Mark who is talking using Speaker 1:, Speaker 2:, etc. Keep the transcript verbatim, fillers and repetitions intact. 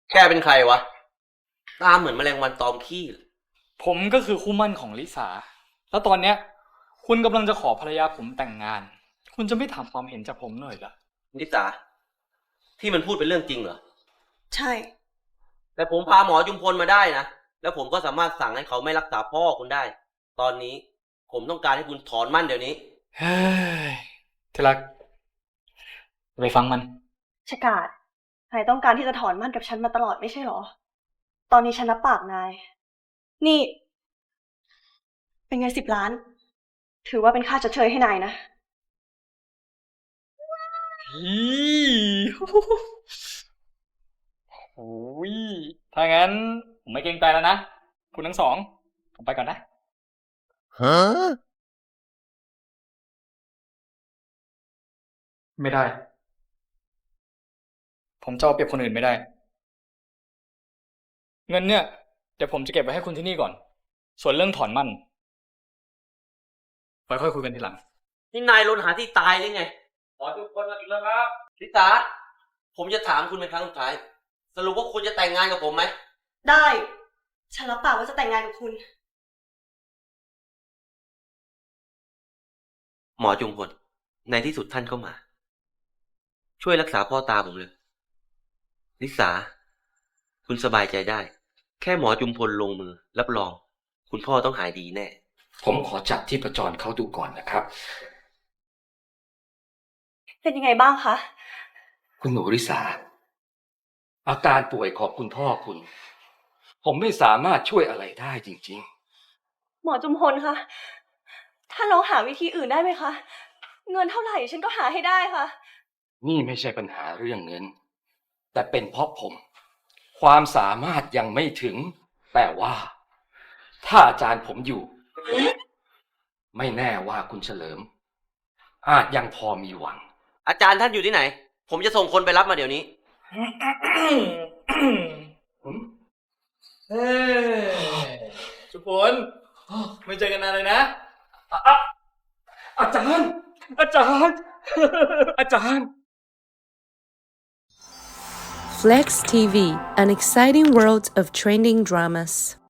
Speaker 1: แกเป็นใครวะตาเหมือนแมลงวันตอมขี้
Speaker 2: ผมก็คือคู่หมั่นของลิสาแล้วตอนเนี้ยคุณกำลังจะขอภรรยาผมแต่งงาน คุณจะไม่ถามความเห็นจากผมหน่อยเหรอ
Speaker 1: ลิสาที่มันพูดเป็นเรื่องจริงเหรอ
Speaker 3: ใช่
Speaker 1: แต่ผมพาหมอจุมพลมาได้นะแล้วผมก็สามารถสั่งให้เขาไม่รักษาพ่อคุณได้ตอนนี้ผมต้องการให้คุณถอนมั่นเดี๋ยวนี้
Speaker 2: เฮ้ยที่รักไปฟังมัน
Speaker 3: ชกาดนายต้องการที่จะถอนมั่นกับฉันมาตลอดไม่ใช่หรอตอนนี้ฉันรับปากนายนี่เป็นเงินสิบล้านถือว่าเป็นค่าชดเชยให้นายนะ
Speaker 2: ฮีโอ้ยถ้างั้นผมไม่เกรงใจแล้วนะคุณทั้งสองผมไปก่อนนะฮะไม่ได้ผมจะเอาเปรียบคนอื่นไม่ได้เงินเนี่ยเดี๋ยวผมจะเก็บไว้ให้คุณที่นี่ก่อนส่วนเรื่องถอนมั่นไว้ค่อยคุยกันทีหลัง
Speaker 1: นี่นายลนหาที่ตายเลยไงขอทุกคนมาถึงแล้วครับลิสาผมจะถามคุณเป็นครั้งสุดท้ายสรุปว่าคุณจะแต่งงานกับผมไหม
Speaker 3: ได้ฉันรับปากว่าจะแต่งงานกับคุณ
Speaker 1: หมอจุมพลในที่สุดท่านก็มาช่วยรักษาพ่อตาผมเลยลิสาคุณสบายใจได้แค่หมอจุมพลลงมือรับรองคุณพ่อต้องหายดีแน่
Speaker 4: ผมขอจับที่ประจรเขาดูก่อนนะครับ
Speaker 3: เป็นยังไงบ้างคะ
Speaker 4: คุณหนูริสาอาการป่วยของคุณพ่อคุณผมไม่สามารถช่วยอะไรได้จริง
Speaker 3: ๆหมอจุมพลคะถ้าลองหาวิธีอื่นได้ไหมคะเงินเท่าไหร่ฉันก็หาให้ได้ค่ะ
Speaker 4: นี่ไม่ใช่ปัญหาเรื่องเงินแต่เป็นเพราะผมความสามารถยังไม่ถึงแต่ว่าถ้าอาจารย์ผมอยู่ไม่แน่ว่าคุณเฉลิมอาจยังพอมีหวัง
Speaker 1: อาจารย์ท่านอยู่ที่ไหนผมจะส่งคนไปรับมาเดี๋ยวนี้
Speaker 2: เฮ้จุพลไม่เจอกันนานเลยนะ
Speaker 4: อาจารย์อาจารย์อาจารย์
Speaker 5: Flex ที วี an exciting world of trending dramas